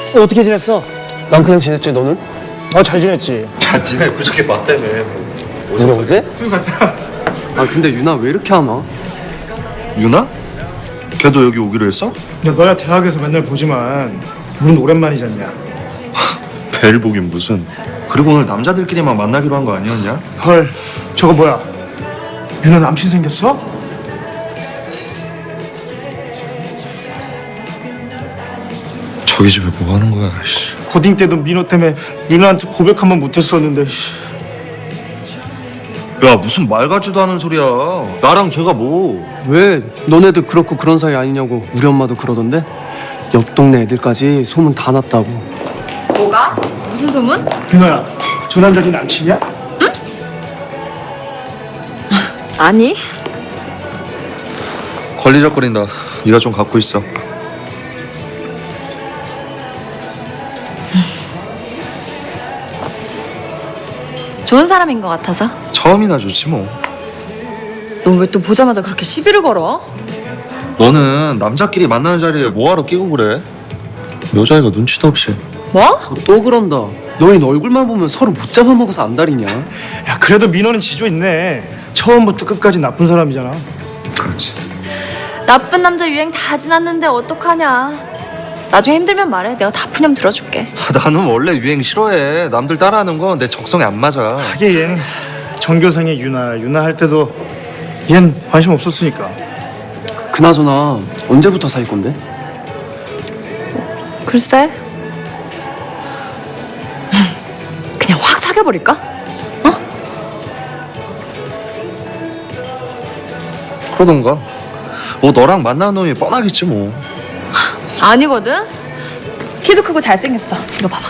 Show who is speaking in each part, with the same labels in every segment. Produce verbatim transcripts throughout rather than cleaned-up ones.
Speaker 1: 어떻게 지냈어?
Speaker 2: 난 그냥 지냈지. 너는?
Speaker 1: 어, 잘 지냈지.
Speaker 3: 야, 니네 그저께 봤다며.
Speaker 2: 우리 어제? 술 가자. 아 근데 유나 왜 이렇게 안 와?
Speaker 3: 유나? 걔도 여기 오기로 했어?
Speaker 1: 야, 너야 대학에서 맨날 보지만 우린 오랜만이지 않냐?
Speaker 3: 벨 보긴 무슨. 그리고 오늘 남자들끼리만 만나기로 한 거 아니었냐?
Speaker 1: 헐, 저거 뭐야? 유나 남친 생겼어?
Speaker 3: 저기 집에 뭐 하는 거야, 씨.
Speaker 1: 고딩 때도 민호 때문에 유나한테 고백 한 번 못했었는데. 씨.
Speaker 3: 야, 무슨 말 같지도 않은 소리야. 나랑 쟤가 뭐.
Speaker 2: 왜? 너네들 그렇고 그런 사이 아니냐고 우리 엄마도 그러던데? 옆 동네 애들까지 소문 다 났다고.
Speaker 4: 뭐가? 무슨 소문?
Speaker 1: 유나야, 저 남자 네 남친이야?
Speaker 4: 아니.
Speaker 3: 걸리적거린다. 네가 좀 갖고 있어.
Speaker 4: 좋은 사람인 것 같아서.
Speaker 3: 처음이나 좋지 뭐.
Speaker 4: 넌 왜 또 보자마자 그렇게 시비를 걸어?
Speaker 3: 너는 남자끼리 만나는 자리에 뭐하러 끼고 그래? 여자애가 눈치도 없이.
Speaker 4: 뭐?
Speaker 2: 또 그런다. 너희는 얼굴만 보면 서로 못 잡아먹어서 안달이냐?
Speaker 1: 야, 그래도 민호는 지조 있네. 처음부터 끝까지 나쁜 사람이잖아.
Speaker 3: 그렇지.
Speaker 4: 나쁜 남자 유행 다 지났는데 어떡하냐. 나중에 힘들면 말해. 내가 다 푸념 들어줄게.
Speaker 3: 나는 원래 유행 싫어해. 남들 따라하는 건 내 적성에 안 맞아.
Speaker 1: 하긴 얜 전교생의 유나, 유나 할 때도 얜 관심 없었으니까.
Speaker 2: 그나저나 언제부터 사귈 건데?
Speaker 4: 글쎄. 그냥 확 사귀어버릴까? 어?
Speaker 3: 그러던가. 뭐 너랑 만나는 놈이 뻔하겠지 뭐.
Speaker 4: 아니거든. 키도 크고 잘생겼어. 이거 봐봐.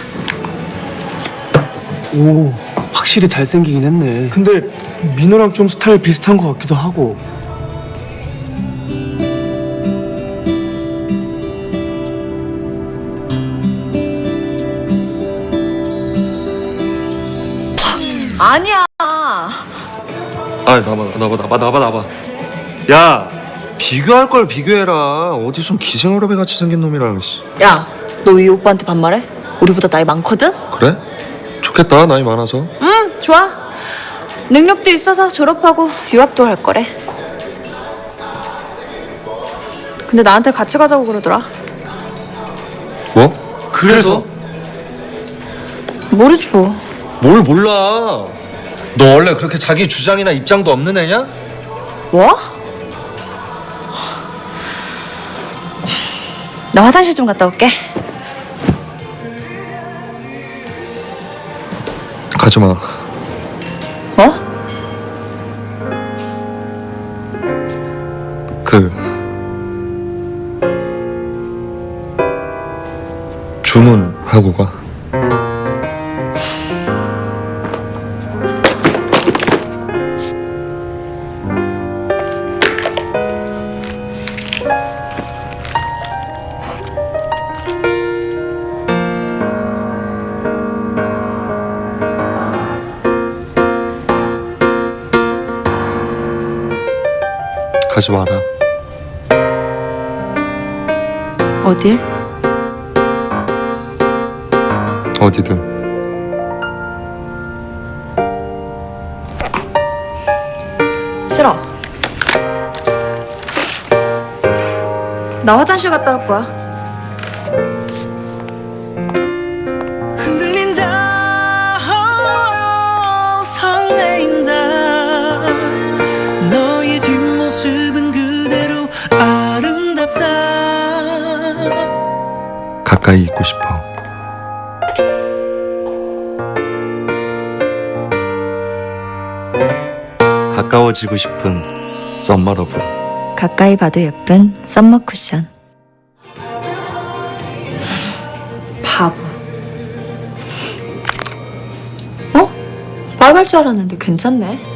Speaker 2: 오, 확실히 잘생기긴 했네.
Speaker 1: 근데 민호랑 좀 스타일 비슷한 것 같기도 하고.
Speaker 4: 아니야.
Speaker 3: 아, 나봐, 나봐, 나봐, 나봐, 나봐. 야, 비교할 걸 비교해라. 어디 좀 기생어렵애 같이 생긴 놈이랑. 씨.
Speaker 4: 야, 너 이 오빠한테 반말해? 우리보다 나이 많거든?
Speaker 3: 그래? 좋겠다, 나이 많아서.
Speaker 4: 응, 좋아. 능력도 있어서 졸업하고 유학도 할 거래. 근데 나한테 같이 가자고 그러더라.
Speaker 3: 뭐?
Speaker 2: 그래서?
Speaker 4: 모르지 뭐.
Speaker 3: 뭘 몰라. 너 원래 그렇게 자기 주장이나 입장도 없는 애냐?
Speaker 4: 뭐? 나 화장실 좀 갔다 올게.
Speaker 3: 가지 마.
Speaker 4: 뭐?
Speaker 3: 그 주문하고 가. 가지 마라.
Speaker 4: 어딜?
Speaker 3: 어디든.
Speaker 4: 싫어. 나 화장실 갔다 올 거야.
Speaker 5: 흔들린다 oh, 설레인다 너의 뒷모습은 그대로 아름답다
Speaker 3: 가까이 있고 싶어. 가까워지고 싶은 썸머러브.
Speaker 4: 가까이 봐도 예쁜 썸머 쿠션. 바보. 어? 빨갈 줄 알았는데 괜찮네.